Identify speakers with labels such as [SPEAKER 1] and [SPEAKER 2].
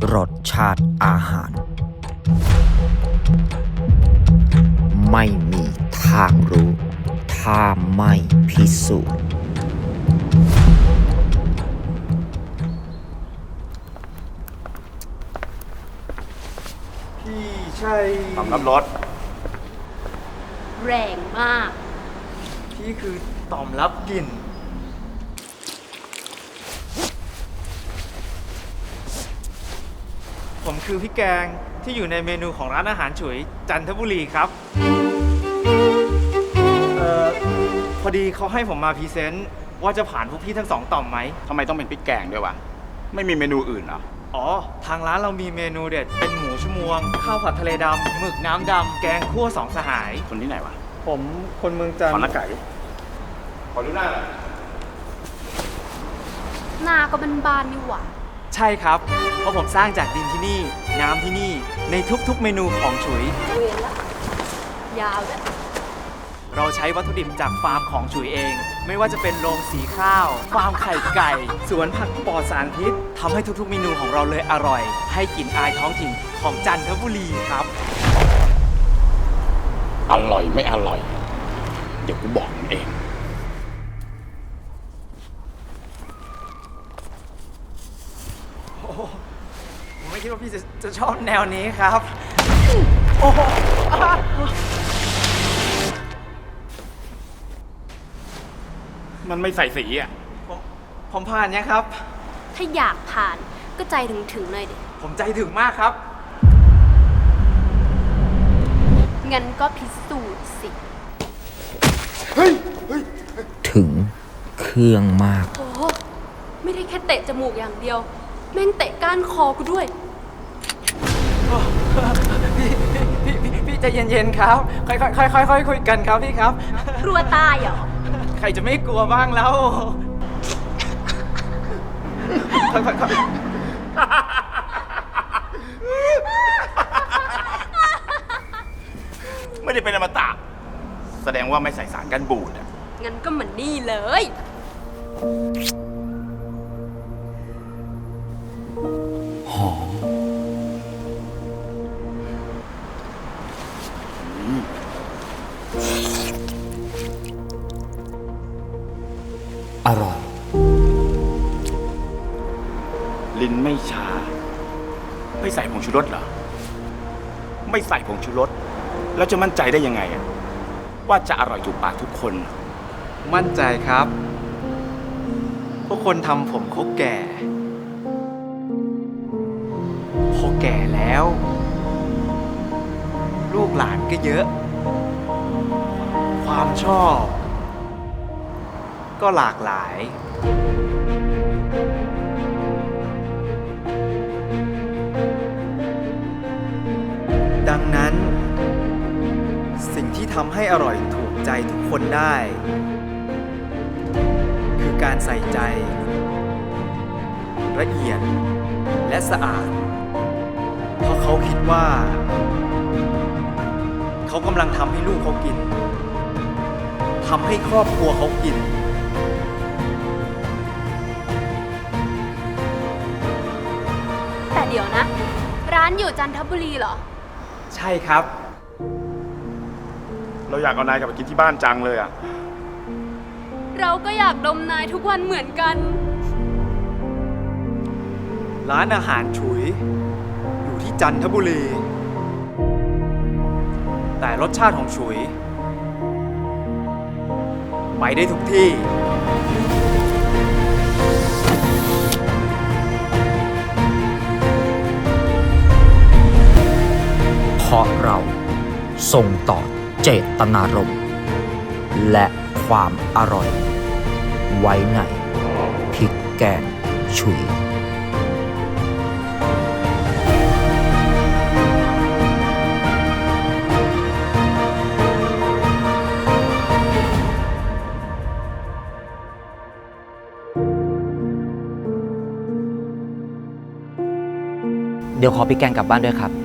[SPEAKER 1] รสชาติอาหาร ไม่มีทางรู้ ถ้าไม่พิสูจน์
[SPEAKER 2] พี่ใช่
[SPEAKER 3] สำรับรถ
[SPEAKER 4] แรงมาก
[SPEAKER 2] พี่คือต่อมรับกลิ่นผมคือพี่แกงที่อยู่ในเมนูของร้านอาหารฉุยจันทบุรีครับพอดีเขาให้ผมมาพรีเซนต์ว่าจะผ่านพวกพี่ทั้งสองต่อมไหม
[SPEAKER 3] ทำไมต้องเป็นพริกแกงด้วยวะ ไม่มีเมนูอื่นเหรอ
[SPEAKER 2] อ๋อ ทางร้านเรามีเมนูเด็ดเป็นหมูชมวง ข้าวผัดทะเลดำหมึกน้ำดำแกงคั่วสองสหาย
[SPEAKER 3] คนที่ไหนวะ
[SPEAKER 2] ผมคนเมืองจันท
[SPEAKER 3] ขอ
[SPEAKER 2] ร์
[SPEAKER 3] หน้าไก่ขอดูหน้าหน่อย
[SPEAKER 4] หน้าก็บานๆนี่หว่า
[SPEAKER 2] ใช่ครับ เพราะผมสร้างจากดินที่นี่ น้ำที่นี่ในทุกๆเมนูของฉุย
[SPEAKER 4] เวรละยาวแล้ว
[SPEAKER 2] เราใช้วัตถุดิบจากฟาร์มของฉุยเอง ไม่ว่าจะเป็นโรงสีข้าว ฟาร์มไข่ไก่ สวนผักปลอดสารพิษทำให้ทุกๆเมนูของเราเลยอร่อย ให้กลิ่นอายท้องถิ่นของจันทบุรีครับ
[SPEAKER 3] อร่อยไม่อร่อย เดี๋ยวกูบอกมึงเอง
[SPEAKER 2] ผมไม่คิดว่าพี่จะชอบแนวนี้ครับ โอ้โห
[SPEAKER 3] มันไม่ใส่สีอ่ะ
[SPEAKER 2] ผมผ่านยังครับ
[SPEAKER 4] ถ้าอยากผ่านก็ใจถึงหน่อยดิ
[SPEAKER 2] ผมใจถึงมากครับ
[SPEAKER 4] งั้นก็พิสูจน์สิ
[SPEAKER 1] ถึงเครื่องมาก
[SPEAKER 4] โอ้ไม่ได้แค่เตะจมูกอย่างเดียว แม่งเตะก้านคอกูด้วย
[SPEAKER 2] พี่ใจเย็นๆครับ ค่อยๆคุยกันครับพี่ครับ
[SPEAKER 4] กลัวตายเหรอ
[SPEAKER 2] ใครจะไม่กลัวบ้างแล้วค่อยๆ
[SPEAKER 3] ไม่ได้เป็นอมตะ แสดงว่าไม่ใส่สารกันบูดอ่ะ
[SPEAKER 4] งั้นก็เหมือนนี่เลย
[SPEAKER 1] หอม อร่อย
[SPEAKER 3] ลิ้นไม่ชา ไม่ใส่ผงชูรสเหรอ ไม่ใส่ผงชูรส แล้วจะมั่นใจได้ยังไงอะว่าจะอร่อยถูกปากทุกคน
[SPEAKER 2] มั่นใจครับพวกคนทำผมเขาแก่ พอแก่แล้ว ลูกหลานก็เยอะ ความชอบ ก็หลากหลาย ดังนั้น สิ่งที่ทำให้อร่อยถูกใจทุกคนได้ คือการใส่ใจ ละเอียดและสะอาด เพราะเขาคิดว่า เขากำลังทำให้ลูกเขากินทำให้ครอบครัวเขากิน
[SPEAKER 4] แต่เดี๋ยวนะ ร้านอยู่จันทบุรีเหรอ
[SPEAKER 2] ใช่ครับ
[SPEAKER 3] เราอยากเอานายกลับไปกินที่บ้านจังเลยอ่ะ
[SPEAKER 4] เราก็อยากดมนายทุกวันเหมือนกัน
[SPEAKER 2] ร้านอาหารฉุย อยู่ที่จันทบุรี แต่รสชาติของฉุย ไปได้ทุกที่
[SPEAKER 1] เพราะเราส่งต่อเจตนารมณ์และความอร่อย ไว้ในพริกแกงฉุย เดี๋ยวขอพริกแกงกลับบ้านด้วยครับ